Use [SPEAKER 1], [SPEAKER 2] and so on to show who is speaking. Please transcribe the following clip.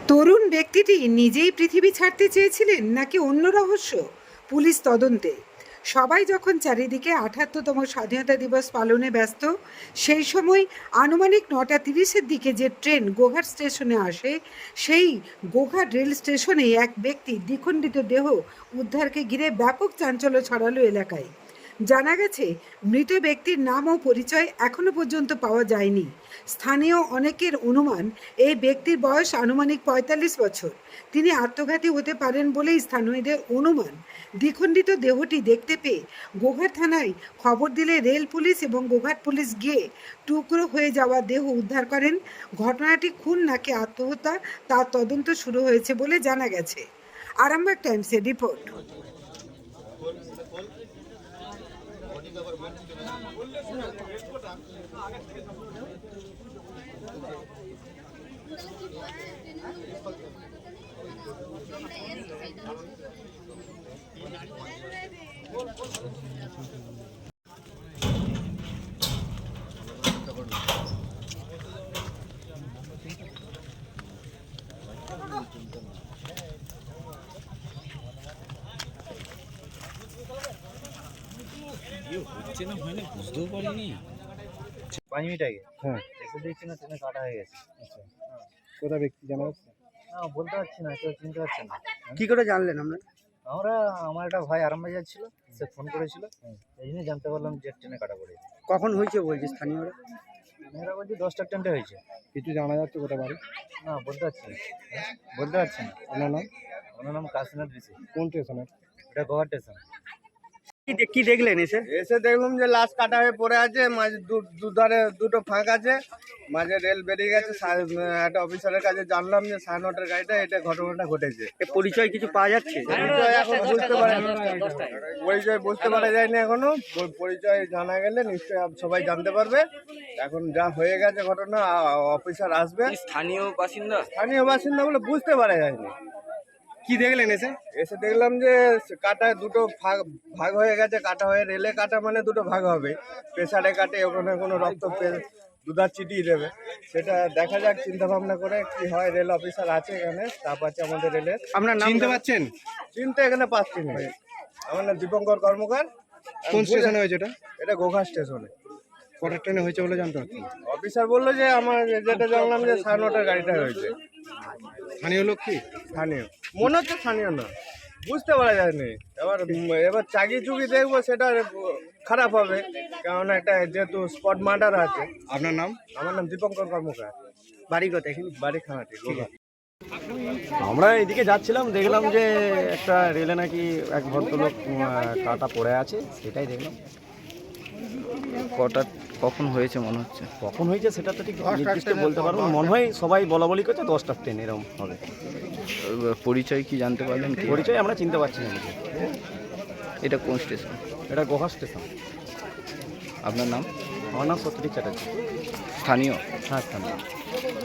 [SPEAKER 1] তরুণ ব্যক্তিটি নিজেই পৃথিবী ছাড়তে চেয়েছিলেন নাকি অন্য রহস্য? পুলিশ তদন্তে। সবাই যখন চারিদিকে ৭৮তম স্বাধীনতা দিবস পালনে ব্যস্ত, সেই সময় আনুমানিক ৯:৩০-এর দিকে যে ট্রেন গোঘাট স্টেশনে আসে, সেই গোঘাট রেল স্টেশনে এক ব্যক্তির দ্বিখণ্ডিত দেহ উদ্ধারকে ঘিরে ব্যাপক চাঞ্চল্য ছড়ালো এলাকায়। জানা গেছে, মৃত ব্যক্তির নাম ও পরিচয় এখনো পর্যন্ত পাওয়া যায়নি। স্থানীয় অনেকের অনুমান, এই ব্যক্তির বয়স আনুমানিক ৪৫ বছর। তিনি আত্মঘাতী হতে পারেন বলেই স্থানীয়দের অনুমান। দ্বিখণ্ডিত দেহটি দেখতে পেয়ে গোঘাট থানায় খবর দিলে রেল পুলিশ এবং গোঘাট পুলিশ গিয়ে টুকরো হয়ে যাওয়া দেহ উদ্ধার করেন। ঘটনাটি খুন নাকি আত্মহত্যা তার তদন্ত শুরু হয়েছে বলে জানা গেছে। আরামবাগ টাইমসের রিপোর্ট।
[SPEAKER 2] হচ্ছে না হয় না বুঝতেও পারিনি।
[SPEAKER 3] 5 মিনিট আগে
[SPEAKER 4] হ্যাঁ,
[SPEAKER 3] এসে দেখছি না ট্রেনে কাটা হয়ে গেছে।
[SPEAKER 4] আচ্ছা। কোথা ব্যক্তি জানা যাচ্ছে?
[SPEAKER 3] না বলতে পারছি না, কেউ চিনতে পারছে না।
[SPEAKER 4] কি করে জানলেন আমরা?
[SPEAKER 3] আমার একটা ভাই আরামবাগ যাচ্ছিল, সে ফোন করেছিল, এই জন্য জানতে পারলাম যে ট্রেনে কাটা পড়ে গেছে।
[SPEAKER 4] কখন হয়েছে বলছে স্থানীয়রা?
[SPEAKER 3] মেয়েরা বলছি 10টার ট্রেনটা হয়েছে।
[SPEAKER 4] কিছু জানা যাচ্ছে কোথা বাড়ি?
[SPEAKER 3] না বলতে পারছি না, বলতে পারছি না।
[SPEAKER 4] আপনার নাম?
[SPEAKER 3] ওনার নাম কাশীনাথ বিশি।
[SPEAKER 4] কোন স্টেশনের?
[SPEAKER 3] এটা গোঘাট স্টেশন।
[SPEAKER 4] কি দেখলেন এসে?
[SPEAKER 5] এসে দেখলাম যে লাশ কাটা হয়ে পড়ে আছে, মাঝে দুধারে দুটো ফাঁক আছে, মাঝে রেল বেরিয়ে গেছে। একটা অফিসারের কাছে জানলাম যে 9:30 গাড়িটা এটা ঘটনাটা ঘটেছে।
[SPEAKER 4] পরিচয় কিছু পাওয়া যাচ্ছে?
[SPEAKER 5] পরিচয় এখন বুঝতে পরিচয় বুঝতে পারা যায়নি এখনো। পরিচয় জানা গেলে নিশ্চয়ই সবাই জানতে পারবে। এখন যা হয়ে গেছে ঘটনা, অফিসার আসবে।
[SPEAKER 2] স্থানীয় বাসিন্দা
[SPEAKER 5] স্থানীয় বাসিন্দা বলে বুঝতে পারা যায়নি।
[SPEAKER 4] কি দেখলেন এসে?
[SPEAKER 5] এসে দেখলাম যে কাটায় দুটো ভাগ হয়ে গেছে। কাটা হয়ে রেলে কাটা মানে দুটো ভাগ হবে, প্রেসারে কাটে, ওখানে কোনো রক্ত দুধার চিটিয়ে দেবে। সেটা দেখা যাক, চিন্তা ভাবনা করে কি হয়। রেল অফিসার আছে এখানে, স্টাফ আছে আমাদের রেলের।
[SPEAKER 4] আপনার নাম চিনতে পাচ্ছেন?
[SPEAKER 5] চিনতে এখানে পাচ্ছি না। আমার নাম দীপঙ্কর কর্মকার।
[SPEAKER 4] কোন স্টেশনে হয়েছে এটা?
[SPEAKER 5] এটা গোঘাট স্টেশনে।
[SPEAKER 4] কটার ট্রেনে হয়েছে বলে জানতে পারছেন?
[SPEAKER 5] অফিসার বললো যে আমার যেটা জানলাম যে 9:30 গাড়িটা হয়েছে।
[SPEAKER 4] স্থানীয় লোক কি?
[SPEAKER 5] স্থানীয় মনে হচ্ছে, স্থানীয় না, বুঝতে পারা যায়নি। এবার চাকি চুকি দেখবো, সেটা খারাপ হবে, কারণ একটা যেহেতু স্পট মার্ডার আছে।
[SPEAKER 4] আপনার নাম?
[SPEAKER 5] আমার নাম দীপঙ্কর কর্মকার।
[SPEAKER 4] বাড়ি কোথায় এখানে?
[SPEAKER 5] বাড়ি খানাটি গোঘাট।
[SPEAKER 6] আমরা এদিকে যাচ্ছিলাম, দেখলাম যে একটা রেলে নাকি এক ভদ্রলোক কাটা পড়ে আছে, সেটাই দেখলাম।
[SPEAKER 2] কখন হয়েছে মনে হচ্ছে?
[SPEAKER 6] কখন হয়েছে সেটা তো ঠিক নির্দিষ্ট বলতে পারবো না। মনে হয় সবাই বলা বলি করছে 10টার ট্রেন এরকম হবে।
[SPEAKER 2] পরিচয় কি জানতে পারলেন? কি
[SPEAKER 6] পরিচয় আমরা চিনতে পারছি না নিজে।
[SPEAKER 2] এটা কোন স্টেশন?
[SPEAKER 6] এটা গোঘাট স্টেশন।
[SPEAKER 2] আপনার নাম?
[SPEAKER 6] আমার নাম সত্যজিৎ চ্যাটার্জি।
[SPEAKER 2] স্থানীয়?
[SPEAKER 6] হ্যাঁ, স্থানীয়।